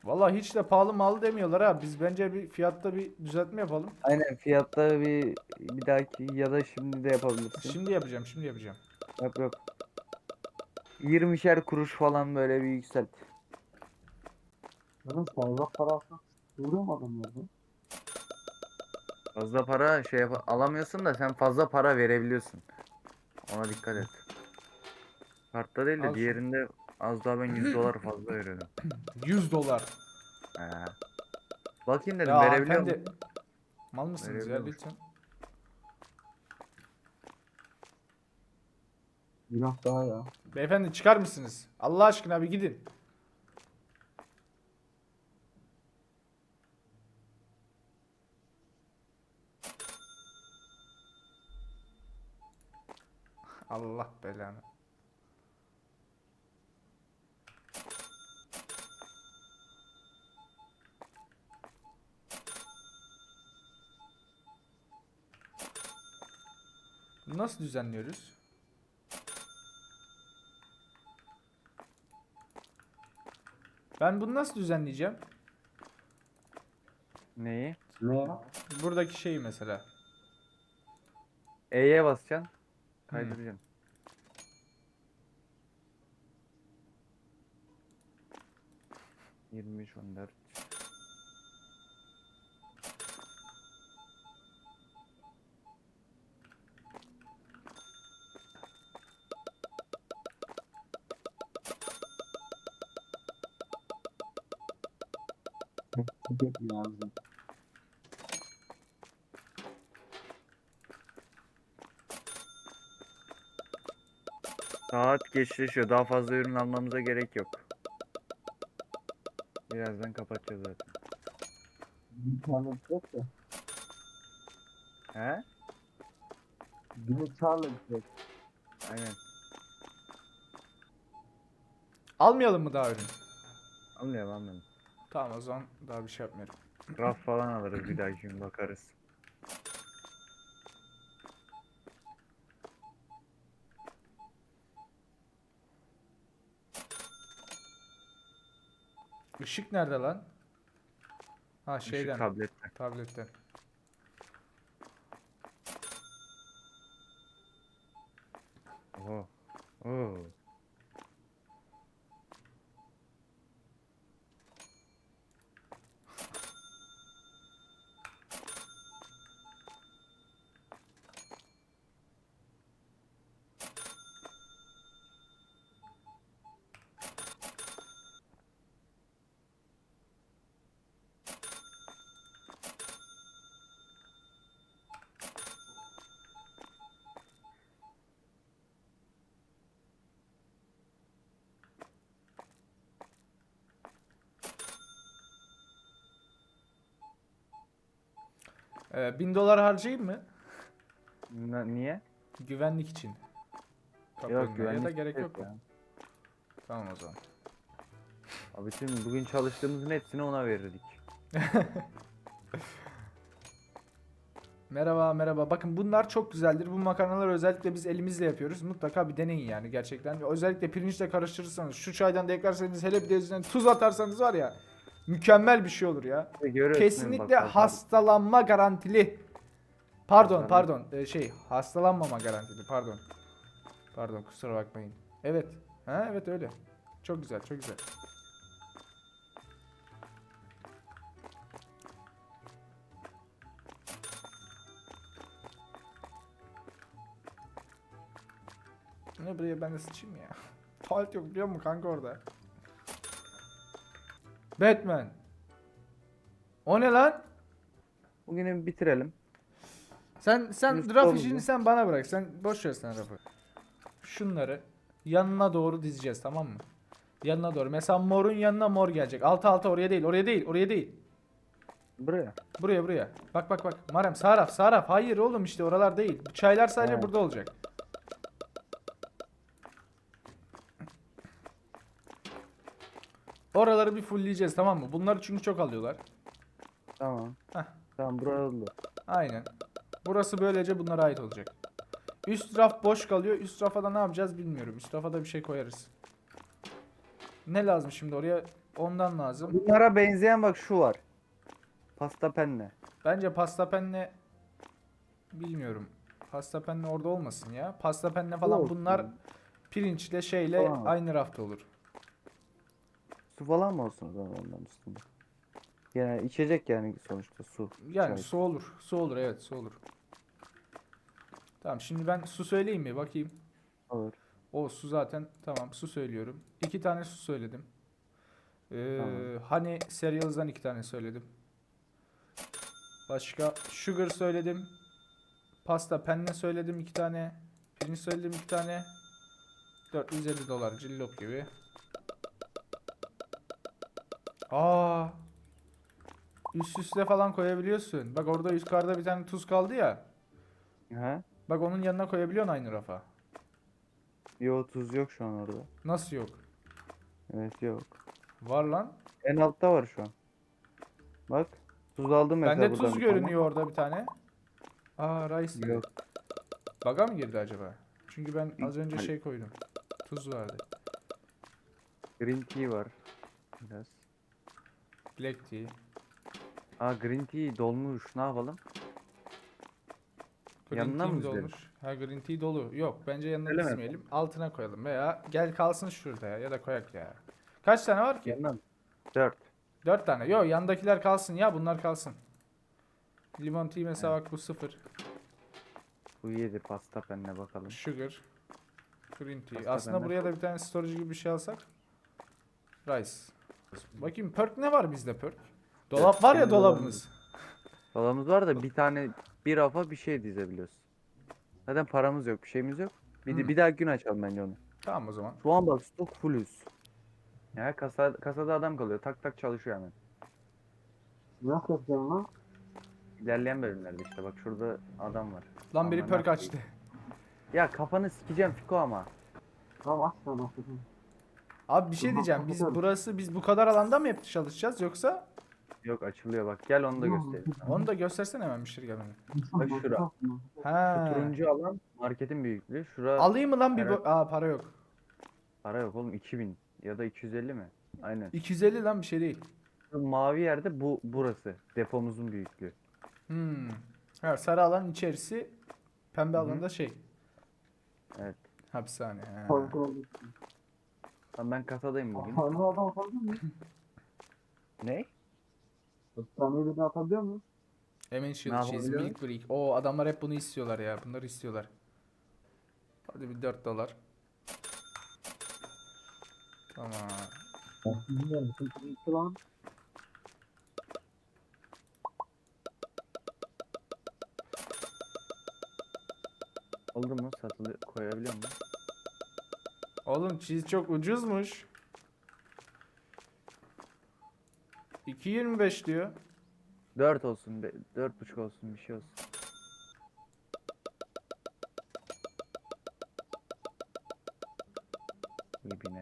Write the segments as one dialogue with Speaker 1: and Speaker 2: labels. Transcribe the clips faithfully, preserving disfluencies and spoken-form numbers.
Speaker 1: Vallahi hiç de pahalı malı demiyorlar ha. Biz bence bir fiyatta bir düzeltme yapalım.
Speaker 2: Aynen fiyatta bir bir dahaki ya da şimdi de yapabilirsin.
Speaker 1: Şimdi yapacağım, şimdi yapacağım.
Speaker 2: Yok yok. yirmişer kuruş falan böyle bir yükselt.
Speaker 3: Oğlum fazla para alsak vuruyor mu adamlar?
Speaker 2: Fazla para şey yap alamıyorsun da sen fazla para verebiliyorsun. Ona dikkat et. Kartta değil de
Speaker 1: Al şunu.
Speaker 2: diğerinde az daha ben yüz dolar fazla veriyordum.
Speaker 1: yüz dolar.
Speaker 2: He. Bakayım
Speaker 1: Ya
Speaker 2: dedim verebiliyor
Speaker 1: hanımefendi,
Speaker 2: musun?
Speaker 1: mal mısınız ya
Speaker 2: Verebiliyormuş.
Speaker 1: lütfen?
Speaker 3: Günah daha ya.
Speaker 1: Beyefendi çıkar mısınız? Allah aşkına bir gidin. Allah belanı. Nasıl düzenliyoruz? Ben bunu nasıl düzenleyeceğim?
Speaker 2: Neyi?
Speaker 3: Ne ya?
Speaker 1: Buradaki şeyi mesela.
Speaker 2: E'ye basacaksın.
Speaker 1: Hmm.
Speaker 2: Kaydıracaksın. yirmi üç on dört.
Speaker 3: Çok lazım.
Speaker 2: Saat geçleşiyor. Daha fazla ürün almamıza gerek yok. Birazdan kapatacağız zaten.
Speaker 3: Bir tane yok da.
Speaker 2: He?
Speaker 3: Günü çağırla gidecek.
Speaker 2: Aynen.
Speaker 1: Almayalım mı daha ürün?
Speaker 2: Anlıyorum anlıyorum.
Speaker 1: Tamam o zaman daha bir şey yapmıyorum.
Speaker 2: Raf falan alırız bir dahaki gün bakarız.
Speaker 1: Işık nerede lan? Ha
Speaker 2: Işık
Speaker 1: şeyden.
Speaker 2: tablette.
Speaker 1: Tabletten.
Speaker 2: Oo. Oo.
Speaker 1: Ee, bin dolar harcayayım mı?
Speaker 2: Na- niye?
Speaker 1: Güvenlik için. Kapı
Speaker 2: Yok
Speaker 1: önüne. Ya da
Speaker 2: güvenlik
Speaker 1: gerek
Speaker 2: yok
Speaker 1: yok mu?
Speaker 2: ya.
Speaker 1: Tamam o zaman.
Speaker 2: Abi bütün bugün çalıştığımızın hepsini ona verirdik.
Speaker 1: Merhaba merhaba. Bakın bunlar çok güzeldir. Bu makarnaları özellikle biz elimizle yapıyoruz. Mutlaka bir deneyin yani gerçekten. Özellikle pirinçle karıştırırsanız, şu çaydan da eklerseniz, hele bir de üzerine tuz atarsanız var ya, mükemmel bir şey olur ya.
Speaker 2: İşte görüyorsun bak
Speaker 1: Kesinlikle
Speaker 2: bak bak.
Speaker 1: hastalanma garantili. Pardon
Speaker 2: Hastalanma-
Speaker 1: pardon Ee, şey hastalanmama garantili pardon. Pardon kusura bakmayın. Evet. Ha evet öyle. Çok güzel çok güzel. Ne buraya ben de sıçayım ya. Tuvalet yok biliyor musun kanka orada? Batman. O ne lan?
Speaker 2: Bugünü bir bitirelim.
Speaker 1: Sen sen
Speaker 2: Yunus
Speaker 1: raf
Speaker 2: sorumlu.
Speaker 1: işini sen bana bırak. Sen boş ver sen rafı. Şunları yanına doğru dizeceğiz tamam mı? Yanına doğru. Mesela morun yanına mor gelecek. Altı altı oraya değil. Oraya değil. Oraya değil.
Speaker 2: Buraya.
Speaker 1: Buraya buraya. Bak bak bak. Marem sağ raf sağ raf. Hayır oğlum işte oralar değil. Bu çaylar sadece
Speaker 2: He.
Speaker 1: burada olacak. Oraları bir fullleyeceğiz tamam mı? Bunları çünkü çok alıyorlar.
Speaker 2: Tamam.
Speaker 1: Heh.
Speaker 2: Tamam buraya oldu.
Speaker 1: Aynen. Burası böylece bunlara ait olacak. Üst raf boş kalıyor. Üst rafa da ne yapacağız bilmiyorum. Üst rafa da bir şey koyarız. Ne lazım şimdi oraya? Ondan lazım.
Speaker 2: Bunlara benzeyen bak şu var. Pasta penne.
Speaker 1: Bence pasta penne bilmiyorum. Pasta penne orada olmasın ya. Pasta penne falan
Speaker 2: Olsun.
Speaker 1: bunlar pirinçle şeyle
Speaker 2: Falan.
Speaker 1: aynı rafta olur.
Speaker 2: Su falan mı olsun o zaman onların üstünde? Yani içecek yani sonuçta su.
Speaker 1: Yani
Speaker 2: çay.
Speaker 1: su olur. Su olur, evet, su olur. Tamam, şimdi ben su söyleyeyim mi? Bakayım.
Speaker 2: Olur.
Speaker 1: O su zaten tamam, su söylüyorum. İki tane su söyledim. Ee,
Speaker 2: Tamam.
Speaker 1: Honey Cereals'dan iki tane söyledim. Başka sugar söyledim. Pasta penne söyledim iki tane. Pirinç söyledim iki tane. dört yüz elli dolar cillop gibi. Aa, üst üste falan koyabiliyorsun. Bak orada yukarıda bir tane tuz kaldı ya.
Speaker 2: He?
Speaker 1: Bak onun yanına koyabiliyorsun aynı rafa.
Speaker 2: Yo, tuz yok şu an orada.
Speaker 1: Nasıl yok?
Speaker 2: Evet, yok.
Speaker 1: Var lan.
Speaker 2: En altta var şu an. Bak. Tuz aldım mesela
Speaker 1: Bende
Speaker 2: buradan
Speaker 1: tuz
Speaker 2: bir tane.
Speaker 1: görünüyor orada bir tane. Aa, rice dedi.
Speaker 2: Yok.
Speaker 1: Baga mı girdi acaba? Çünkü ben az önce
Speaker 2: Hayır.
Speaker 1: şey koydum. Tuz vardı.
Speaker 2: Green tea var. Biraz.
Speaker 1: Black tea.
Speaker 2: Aa, green tea dolmuş. Ne yapalım?
Speaker 1: Green
Speaker 2: Yanına
Speaker 1: tea
Speaker 2: mı
Speaker 1: mi
Speaker 2: dizelim?
Speaker 1: dolmuş? Ha, green tea dolu. Yok, bence yanına
Speaker 2: Öyle mi?
Speaker 1: dizmeyelim. Altına koyalım veya gel kalsın şurada ya, ya da koyak ya. Kaç tane var ki?
Speaker 2: Yanına mı? Dört.
Speaker 1: Dört tane. Yok, yandakiler kalsın ya, bunlar kalsın. Limon tea mesela,
Speaker 2: Evet.
Speaker 1: bak bu sıfır.
Speaker 2: Bu yedi pasta penne bakalım.
Speaker 1: Sugar. Green tea.
Speaker 2: Pasta
Speaker 1: Aslında
Speaker 2: penne.
Speaker 1: buraya da bir tane storage gibi bir şey alsak. Rice. Bakayım perk ne var bizde perk? Dolap var ya,
Speaker 2: Kendi
Speaker 1: dolabımız.
Speaker 2: Dolabımız var da bir tane bir rafa bir şey dizebiliyoruz. Zaten paramız yok, bir şeyimiz yok. Bir, de,
Speaker 1: Hmm.
Speaker 2: bir daha gün açalım bence onu.
Speaker 1: Tamam o zaman.
Speaker 2: Şu an bak stok fullüz. Ya kasa, kasada adam kalıyor. Tak tak çalışıyor hemen.
Speaker 3: Nasıl yapacağım lan?
Speaker 2: İlerleyen bölümlerde işte bak şurada adam var.
Speaker 1: Lan biri
Speaker 2: Aman
Speaker 1: perk
Speaker 2: Allah'ım.
Speaker 1: açtı.
Speaker 2: Ya kafanı sikeceğim Fiko ama.
Speaker 3: Tamam aç lan açacağım.
Speaker 1: Abi bir şey
Speaker 3: Tamam,
Speaker 1: diyeceğim. Biz
Speaker 3: kapatıyorum.
Speaker 1: burası biz bu kadar alanda mı hep çalışacağız yoksa
Speaker 2: Yok, açılıyor bak. Gel onu da
Speaker 3: Tamam,
Speaker 2: göstereyim.
Speaker 1: onu da göstersene hemen müşteri gelmeden.
Speaker 2: Bak şura. Şu
Speaker 1: Ha.
Speaker 2: turuncu alan marketin büyüklüğü. Şura
Speaker 1: Alayım mı lan bir
Speaker 2: herhalde
Speaker 1: bu? Aa, para yok.
Speaker 2: para yok oğlum, iki bin ya da iki yüz elli mi? Aynen.
Speaker 1: iki yüz elli lan, bir şey değil.
Speaker 2: Şu mavi yerde bu burası. Depomuzun büyüklüğü.
Speaker 1: Hmm. Ha, sarı alan içerisi, pembe
Speaker 2: Hı hı.
Speaker 1: alanda şey.
Speaker 2: Evet.
Speaker 1: Hapishane. Ha.
Speaker 3: Kontrol et.
Speaker 2: Tamam, ben kasadayım bugün.
Speaker 3: Hastaneye adam atabiliyor muyum?
Speaker 2: Ne?
Speaker 3: Hastaneye birini atabiliyor muyum?
Speaker 1: Hemen
Speaker 2: Ne
Speaker 1: shield cheese,
Speaker 2: yapabiliyorum?
Speaker 1: milk break. O adamlar hep bunu istiyorlar ya. Bunları istiyorlar. Hadi bir dört dolar. Tamam.
Speaker 3: Bilmiyorum. Sıkıntı lan.
Speaker 2: Oldu mu? Satılıyor. Koyabiliyor mu?
Speaker 1: Oğlum cheese çok ucuzmuş. iki yirmi beş diyor.
Speaker 2: Dört olsun. Be, dört buçuk olsun. Bir şey olsun. İbine.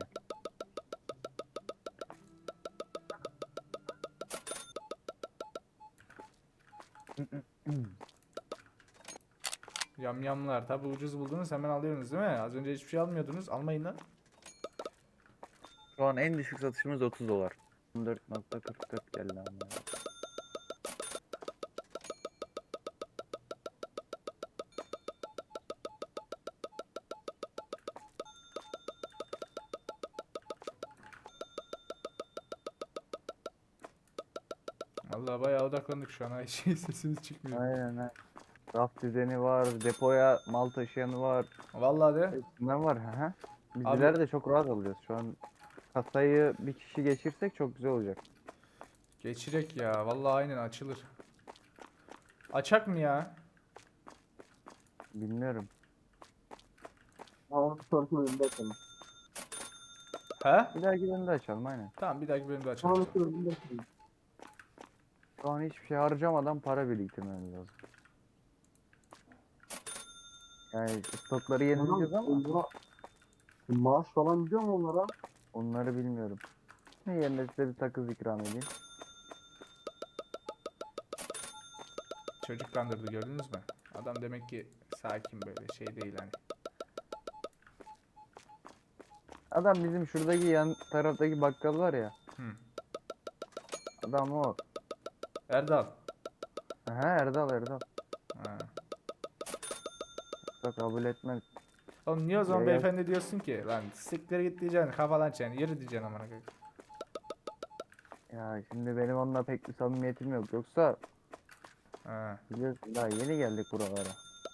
Speaker 1: Yamyamlar. Tabi ucuz buldunuz hemen alıyorsunuz değil mi? Az önce hiçbir şey almıyordunuz. Almayın lan.
Speaker 2: Şu an en düşük satışımız otuz dolar. on dört nokta kırk dört geldi ama.
Speaker 1: Vallahi bayağı odaklandık şu an. Ay şey, sesimiz çıkmıyor.
Speaker 2: Aynen ha. Raf düzeni var. Depoya mal taşıyanı var.
Speaker 1: Vallahi de.
Speaker 2: Hepsinden var. Hı hı.
Speaker 1: Abi-
Speaker 2: Bizler de çok rahat alıyoruz. Şu an kasayı bir kişi geçirsek çok güzel olacak.
Speaker 1: Geçirek ya. Vallahi aynen açılır. Açak mı ya?
Speaker 2: Bilmiyorum.
Speaker 3: Ama sonraki bölümde açalım.
Speaker 1: He?
Speaker 2: Bir dahaki bölümde açalım aynen.
Speaker 1: Tamam, bir dahaki bölümde açalım.
Speaker 3: Sonraki bölümde açalım.
Speaker 2: Şu an hiçbir şey harcamadan para biriktirmemiz lazım. Yani stokları yenileyeceğiz ama
Speaker 3: Onlara maaş falan gidiyor mu onlara?
Speaker 2: onları bilmiyorum. Ne yerine size bir takız ikram edeyim.
Speaker 1: Çocuk kandırdı, gördünüz mü? Adam demek ki sakin, böyle şey değil hani.
Speaker 2: Adam bizim şuradaki yan taraftaki bakkal var ya.
Speaker 1: Hı.
Speaker 2: Adam o.
Speaker 1: Erdal.
Speaker 2: Aha Erdal Erdal.
Speaker 1: Ha.
Speaker 2: Bak kabul etmez.
Speaker 1: Oğlum niye o zaman
Speaker 2: Ya-
Speaker 1: beyefendi diyorsun ki? Lan siktir git diyeceksin. Kafadan çen. Yürü diyeceksin amına koyayım.
Speaker 2: Ya şimdi benim onunla pek bir samimiyetim yok. Yoksa
Speaker 1: Ha.
Speaker 2: biliyorsun daha yeni geldik buralara.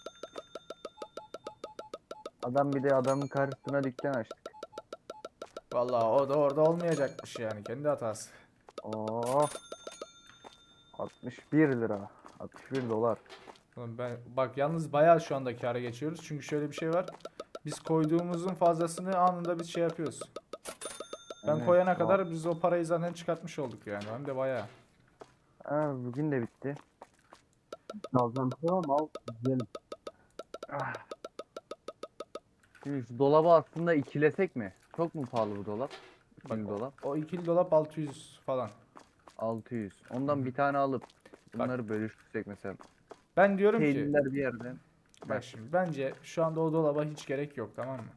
Speaker 2: Adam bir de adamın karşısına dükkan açtık.
Speaker 1: Vallahi o da orada olmayacakmış yani. Kendi hatası.
Speaker 2: Oh. altmış bir lira. altmış bir dolar.
Speaker 1: Oğlum ben bak yalnız bayağı şu anda kâra geçiyoruz. Çünkü şöyle bir şey var. Biz koyduğumuzun fazlasını anında biz şey yapıyoruz. Ben
Speaker 2: Evet,
Speaker 1: koyana
Speaker 2: wow.
Speaker 1: kadar biz o parayı zaten çıkartmış olduk yani. Hem de bayağı.
Speaker 2: Ha, bugün de bitti.
Speaker 3: Alacağım bir şey var mı? Al. Yiyelim.
Speaker 2: Ah. Şimdi şu dolabı aslında ikilesek mi? Çok mu pahalı bu dolap?
Speaker 1: Bak
Speaker 2: Şimdi dolap.
Speaker 1: o ikili dolap altı yüz falan.
Speaker 2: altı yüz. Ondan bir tane alıp bunları bölüştürsek mesela.
Speaker 1: Ben diyorum ki
Speaker 2: Peynirler bir yerden.
Speaker 1: bak şimdi bence şu anda o dolaba hiç gerek yok, tamam mı?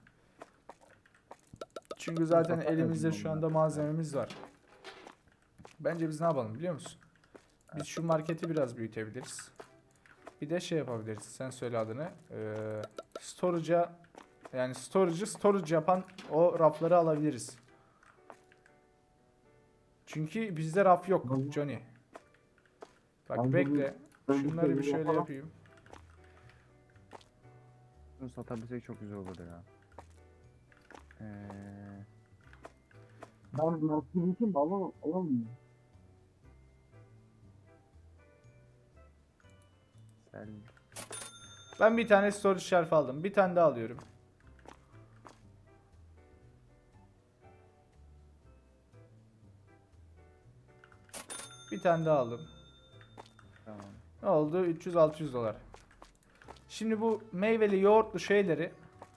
Speaker 1: Çünkü zaten
Speaker 2: satarız
Speaker 1: elimizde
Speaker 2: bunu
Speaker 1: şu
Speaker 2: ya.
Speaker 1: anda malzememiz var. Bence biz ne yapalım biliyor musun? Biz şu marketi biraz büyütebiliriz. Bir de şey yapabiliriz. Sen söyle adını. Ee, storage'a yani storage'ı storage yapan o rafları alabiliriz. Çünkü bizde raf yok
Speaker 3: Bence-
Speaker 1: Johnny. Bak
Speaker 3: Bence
Speaker 1: bekle.
Speaker 3: bu-
Speaker 1: Şunları bir
Speaker 3: bence
Speaker 1: şöyle
Speaker 3: yapalım.
Speaker 1: yapayım.
Speaker 2: Bunu satabilsek çok güzel olur ya. Ee,
Speaker 3: Ben marketi için alamam. Alamam.
Speaker 2: sen
Speaker 1: Ben bir tane storage shelf aldım. Bir tane daha alıyorum. Bir tane daha aldım.
Speaker 2: tamam.
Speaker 1: Ne oldu? üç yüz altı yüz dolar. Şimdi bu meyveli yoğurtlu şeyleri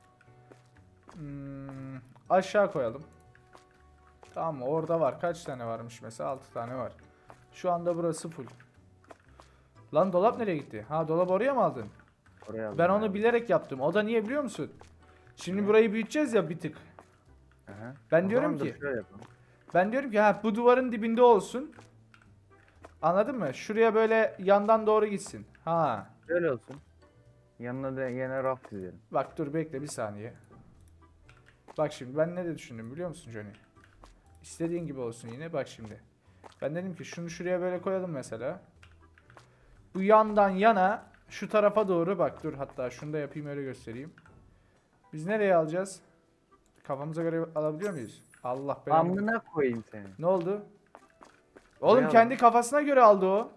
Speaker 1: hmm, aşağı koyalım. Tamam mı? Orada var. Kaç tane varmış mesela? altı tane var. Şu anda burası full. Lan dolap nereye gitti? Ha, dolap oraya mı aldın?
Speaker 2: Oraya aldım
Speaker 1: Ben
Speaker 2: bayağı
Speaker 1: onu
Speaker 2: bir.
Speaker 1: bilerek yaptım. O da niye biliyor musun? Şimdi
Speaker 2: Niye?
Speaker 1: burayı büyüteceğiz ya bir tık.
Speaker 2: Aha.
Speaker 1: Ben
Speaker 2: O
Speaker 1: diyorum
Speaker 2: zaman dur
Speaker 1: ki
Speaker 2: şöyle yapalım.
Speaker 1: ben diyorum ki ha bu duvarın dibinde olsun. Anladın mı? Şuraya böyle yandan doğru gitsin. Ha.
Speaker 2: Şöyle olsun. Yanına da yine raf dizelim.
Speaker 1: Bak dur bekle bir saniye. Bak şimdi ben ne de düşündüm biliyor musun Johnny? İstediğin gibi olsun yine. Bak şimdi. Ben dedim ki şunu şuraya böyle koyalım mesela. Bu yandan yana şu tarafa doğru bak dur, hatta şunu da yapayım öyle göstereyim. Biz nereye alacağız? Kafamıza göre alabiliyor muyuz? Allah belanı.
Speaker 2: Amına koyayım seni.
Speaker 1: Ne oldu? Oğlum
Speaker 2: Buraya
Speaker 1: kendi
Speaker 2: al.
Speaker 1: kafasına göre aldı o.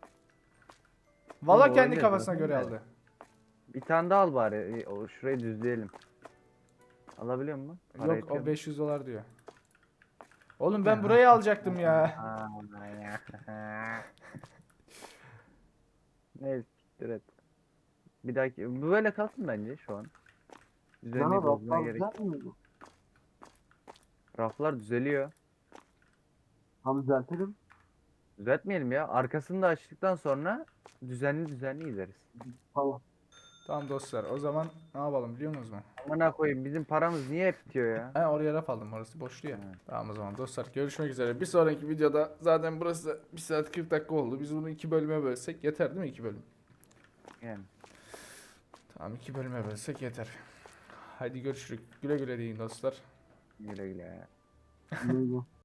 Speaker 1: Valla
Speaker 2: Oğlum,
Speaker 1: kendi
Speaker 2: öyle
Speaker 1: kafasına
Speaker 2: zaten
Speaker 1: göre
Speaker 2: de.
Speaker 1: aldı.
Speaker 2: Bir tane daha al bari. O şurayı düzleyelim. Alabiliyor musun? Para
Speaker 1: Yok
Speaker 2: yetiyor
Speaker 1: o
Speaker 2: mu?
Speaker 1: beş yüz dolar diyor. Oğlum ben burayı alacaktım ya.
Speaker 2: Aman ya. Neyse siktir et. Bir dahaki bu böyle kalsın bence şu an. Düzenli
Speaker 3: Bana
Speaker 2: bozmaya
Speaker 3: raflar
Speaker 2: gerek.
Speaker 3: güzel mi?
Speaker 2: Raflar düzeliyor.
Speaker 3: Tam düzeltelim.
Speaker 2: Düzeltmeyelim ya. Arkasını da açtıktan sonra düzenli düzenli gideriz.
Speaker 3: Tamam.
Speaker 1: Tamam dostlar, o zaman ne yapalım biliyor musunuz mu?
Speaker 2: Amına koyayım bizim paramız niye hep bitiyor ya?
Speaker 1: He, oraya raf aldım, orası boştu ya.
Speaker 2: Evet.
Speaker 1: Tamam o zaman dostlar, görüşmek üzere. Bir sonraki videoda zaten burası bir saat kırk dakika oldu. Biz bunu iki bölüme bölsek yeter değil mi, iki bölüm?
Speaker 2: Yani.
Speaker 1: Tamam, iki bölüme bölsek yeter. Haydi görüşürüz. Güle güle deyin dostlar.
Speaker 2: Güle güle.
Speaker 3: Neydi?